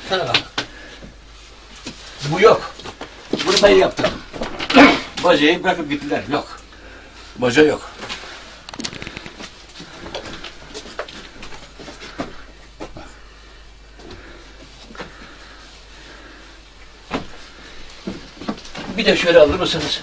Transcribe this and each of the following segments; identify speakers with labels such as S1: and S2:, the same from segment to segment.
S1: Sana bak. Bu yok. Bunu ben yaptım. Bacayı bırakıp gittiler. Yok. Baca yok. Bir de şöyle alır mısınız?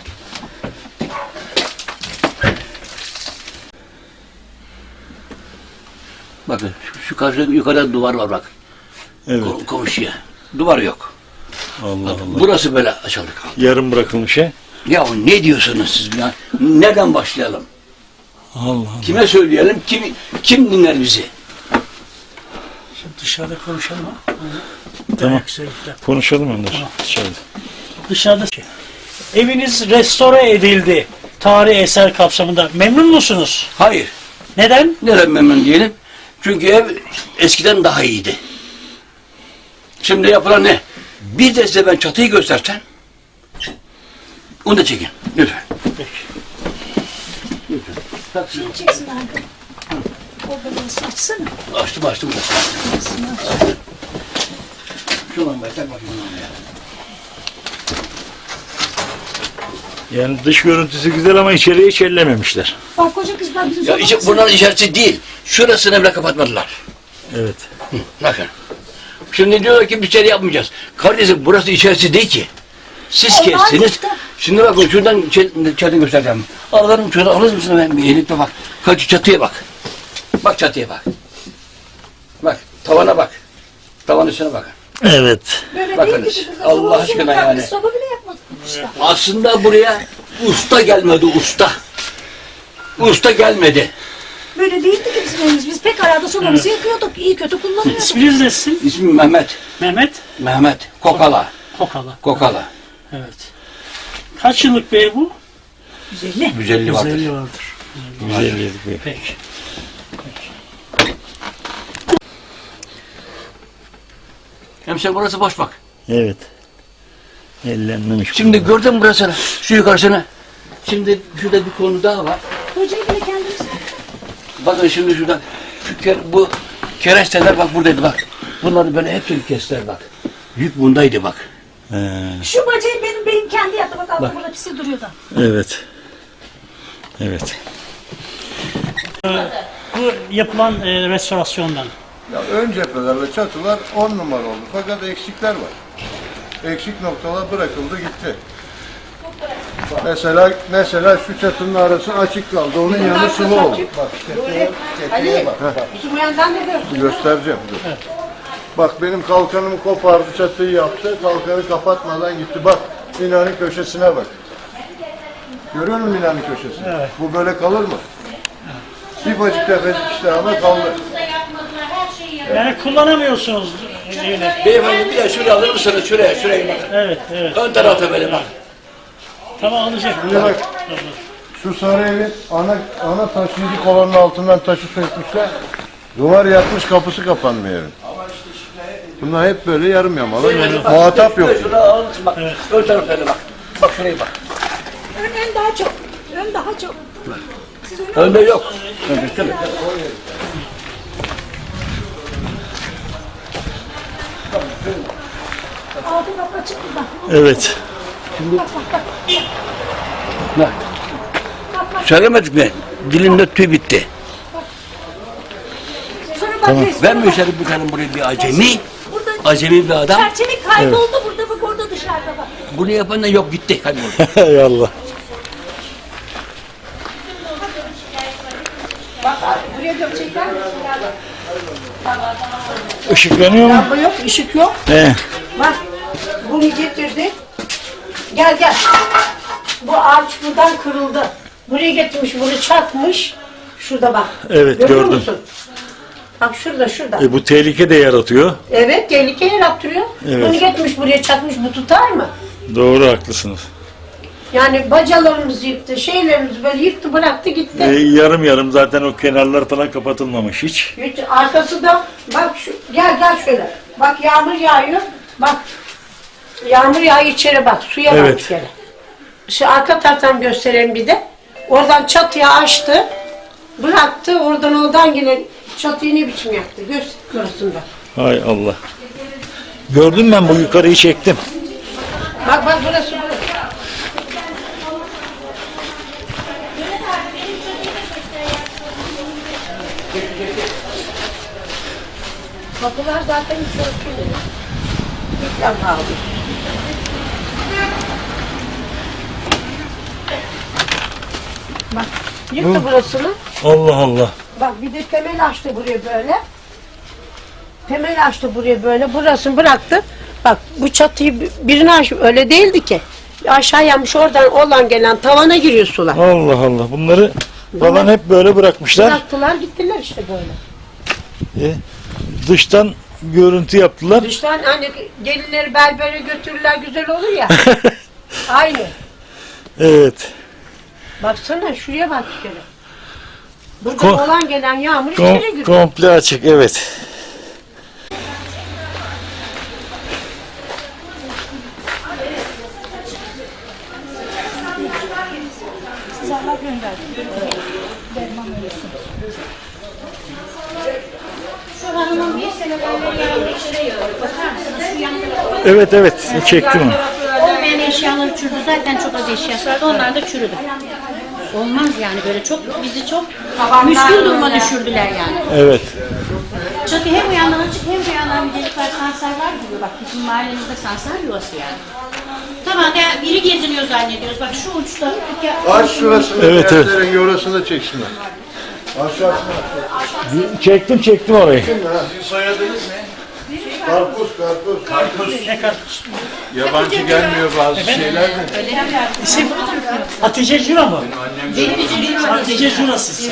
S1: Bakın şu karşı yukarıda duvar var bak.
S2: Evet.
S1: Komşuya. Duvar yok.
S2: Allah
S1: Bak,
S2: Allah.
S1: burası böyle açıldı kaldı.
S2: Yarım bırakılmış he.
S1: Ya ne diyorsunuz siz ya? Nereden başlayalım?
S2: Allah Allah.
S1: Kime söyleyelim? Kim dinler bizi?
S3: Şimdi dışarıda konuşalım ha.
S2: Tamam.
S3: Güzellikle.
S2: Konuşalım Önder. Dışarıda.
S3: Dışarıda. Eviniz restore edildi. Tarihi eser kapsamında. Memnun musunuz?
S1: Hayır.
S3: Neden?
S1: Neden memnun diyelim? Çünkü ev eskiden daha iyiydi. Şimdi yapılan ne? Bir de size ben çatıyı göstersem onu da çekin. Lütfen.
S3: Peki.
S1: Lütfen.
S4: Şunu çeksin abi. O böyle açsana.
S1: Açtım. Şuradan bakar bakayım.
S2: Yani dış görüntüsü güzel ama içeriye hiç ellememişler.
S4: Bak koca kızlar bizim
S1: Ya bunların içerisi değil. Şurasını bile kapatmadılar.
S2: Evet.
S1: Bakın. Şimdi diyorlar ki bir şey yapmayacağız. Kardeşim burası içerisi değil ki. Siz
S4: Allah
S1: kestiniz.
S4: işte.
S1: Şimdi bakın şuradan çatı göstereceğim. Alırım şurada alır mısın ben bir elikle bak. Kaç çatıya bak. Bak çatıya bak. Bak tavana bak. Tavan üstüne bakın.
S2: Evet.
S4: böyle
S1: bakınız,
S4: değil ki.
S1: Allah aşkına yani.
S4: Soba bile yapmadık işte.
S1: Aslında buraya usta gelmedi usta. Usta gelmedi.
S4: Böyle değildi ki bizim evimiz. Biz pek arada sobamızı yakıyorduk. İyi kötü kullanıyorduk.
S3: İsminiz ne sizin?
S1: İsmim Mehmet.
S3: Mehmet
S1: Kokala.
S3: Kokala.
S1: Kokala.
S3: Evet. Kaç yıllık bir ev bu?
S4: 150.
S1: 150 vardır.
S3: 150 vardır.
S2: Güzel yedik be.
S3: Peki.
S1: Hemşire burası boş bak.
S2: Evet. Ellenmemiş.
S1: Şimdi gördün mü burasını? Şu yukarısını. Şimdi şurada bir konu daha var.
S4: Hocayı bile kendimiz
S1: Bakın şimdi şuradan. Bu keresteler bak buradaydı bak. Bunları böyle hepsini kestiler bak. Yük bundaydı bak.
S4: Şu bacayı benim kendi yaptı. Bak
S1: Bak.
S4: burada pisi duruyor da.
S2: Evet. Evet.
S3: Bu yapılan restorasyondan.
S5: Ya ön cephelerle çatılar 10 numara oldu. Fakat eksikler var. Eksik noktalar bırakıldı gitti. Mesela şu çatının arası açık kaldı. Onun yanı sıvı oldu. Bak tepeye bak.
S4: Bizim bu yandan ne diyorsun?
S5: Göstereceğim. Dur. Bak benim kalkanımı kopardı, çatıyı yaptı. Kalkanı kapatmadan gitti. Bak binanın köşesine bak. Görüyor musun binanın köşesini?
S3: Evet.
S5: Bu böyle kalır mı? Bir bacık tepecik işte ama kaldı.
S3: Yani kullanamıyorsunuz yine.
S1: Beyefendi bir de şuraya alır mısınız? Şuraya bakın.
S3: Evet, evet.
S1: Ön tarafta böyle bak.
S3: Tamam alacak.
S5: Şimdi bak. Şu sarı evin ana taşıyıcı kolonun altından taşı sökmüşler. Duvar yatmış, kapısı kapanmıyor evin. Bunlar hep böyle yarım yamalı. Muhatap yok.
S1: Şuraya alır mısın bak. Ön tarafta böyle bak. Bak şuraya bak.
S4: Ön daha çok. Ön daha çok. Siz önü
S1: Önde yok. Önde değil mi?
S4: altı kapı açık burada.
S2: Evet.
S1: Bak. Söylemedik mi? Dilimde tüy bitti.
S4: Sonra bak
S1: Ben mi içeri bir tane buraya bir acemi?
S4: Burada
S1: Acemi bir adam.
S4: çerçeve kayboldu burada bak orada dışarıda bak.
S1: Bunu yapan da yok gitti. Kayboldu.
S2: Hay Allah.
S4: Buraya gömecekler mi?
S2: Işıklanıyor mu?
S4: Lamba yok, ışık yok.
S2: He.
S4: Bak bunu getirdi. Gel. Bu ağaç buradan kırıldı. Buraya getirmiş, bunu çakmış. Şurada bak.
S2: Evet,
S4: Görüyor
S2: gördüm.
S4: musun? Bak şurada.
S2: Bu tehlike de yaratıyor.
S4: Evet, tehlike yarattırıyor.
S2: Evet.
S4: Bunu getirmiş buraya çakmış, bu tutar mı?
S2: Doğru, haklısınız.
S4: Yani bacalarımızı yıktı, şeylerimizi böyle yıktı, bıraktı gitti.
S2: Yarım yarım zaten o kenarlar falan kapatılmamış hiç.
S4: Hiç arkası da bak gel şöyle. Bak yağmur yağıyor. Bak. Yağmur yağıyor içeri bak. Suya bak
S2: Evet.
S4: bir kere. Şu arka taraftan göstereyim bir de. Oradan çatıya açtı. Bıraktı. Oradan gelen çatıyı ne biçim yaptı. Görsün bak.
S2: Hay Allah. Gördüm ben bu yukarıyı çektim.
S4: Bak bak burası burası. Kapılar zaten hiç örtülü. İlk defa aldım. Bak yıktı burasını.
S2: Allah Allah.
S4: Bak bir de temel açtı buraya böyle. Temel açtı buraya böyle. Burasını bıraktı. Bak bu çatıyı birine aç öyle değildi ki. Aşağı yanmış oradan gelen tavana giriyor sular.
S2: Allah Allah. Bunları falan hep böyle bırakmışlar.
S4: Bıraktılar gittiler işte böyle.
S2: Dıştan görüntü yaptılar.
S4: Dıştan hani gelinleri berbere götürürler güzel olur ya. Aynı.
S2: Evet.
S4: Baksana şuraya bak bir kere. Burada
S2: Ko-
S4: olan gelen yağmur içeri giriyor.
S2: Komple açık, evet.
S6: Şu hanımın bir sene böyle yağmur içeri yağıyor. Bakar mısınız? Şu yan tarafa.
S2: Evet evet, çektim onu.
S6: Olmayan eşyaları çürüdü. Zaten çok az eşyası vardı. Onlar da çürüdü. Olmaz yani böyle çok bizi çok müşkül duruma düşürdüler yani.
S2: Evet.
S6: Çatı hem bu yandan açık hem bu yandan bir delik var. Sansarlar gibi bak bizim mahallemizde sansar yuvası yani. Tamam ya biri geziniyor zannediyoruz. Bak şu uçta.
S5: Aç şurasını,
S2: Evet, evet.
S5: evet. Orasını da çeksinler. Aşağısına.
S2: Çektim orayı.
S5: Sizin soyadınız ne? Karpuz.
S3: Ne karpuz?
S5: Yabancı gelmiyor bazı şeyler de.
S3: İsim Hatice Cura mı? Hatice Cura siz.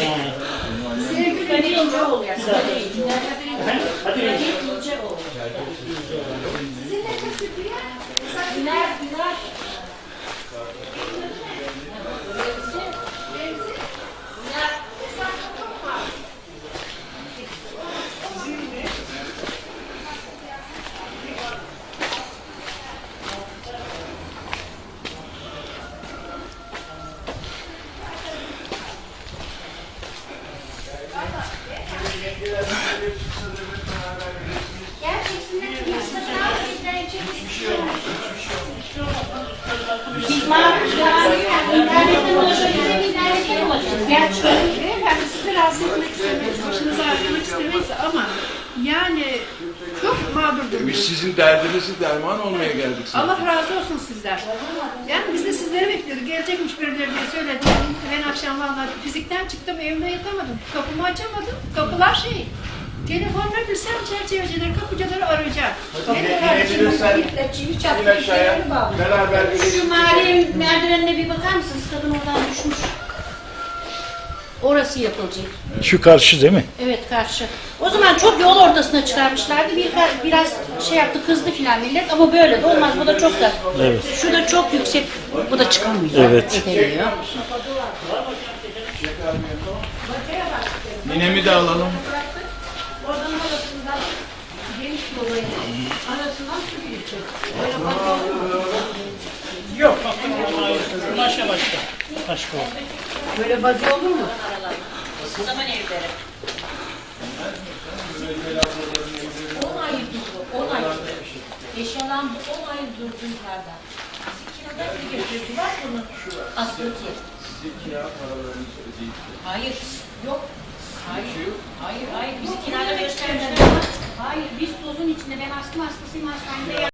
S6: Biz internetten ulaşabiliriz. İnternetten ulaşırız. Gerçi
S7: Beyefendi sizi rahatsız etmek istemeyiz, başınızı ağrıtmak istemeyiz ama yani çok mağdurdunuz.
S8: Biz sizin derdinizi derman olmaya geldik sana.
S7: Allah razı olsun sizden. Yani biz de sizleri bekliyorduk. Gelecekmiş birileri diye söyledi. Ben akşam vallahi fizikten çıktım, evime yatamadım. Kapımı açamadım. Kapılar şey. Telefonla bilsem çerçevecileri, kapıcıları arayacak.
S8: İn aşağıya. Beraber
S6: şu mahallenin merdivenine bir bakar mısınız? Kadın oradan düşmüş. Orası yapılacak.
S2: Şu karşı değil mi?
S6: Evet karşı. O zaman çok yol ortasına çıkarmışlardı. Biraz şey yaptı kızdı filan millet ama böyle de olmaz. Bu da çok da.
S2: Evet.
S6: Şu da çok yüksek. Bu da çıkamıyor.
S2: Evet.
S6: Edemiyor.
S8: Ninemi de alalım.
S3: Yok. Başka. Başka o.
S4: Böyle bacı olur mu?
S6: O zaman evleri. 10 ay durdu. 10 ay. Yaşanan bu 10 ay durdu yukarıda. Kirada bir götürdü. Var bunun aslıki. Hayır. Yok. Hayır. Bizi kirada göstermişler. Hayır. Biz tozun içinde. Ben astım hastasıyım. Hastanede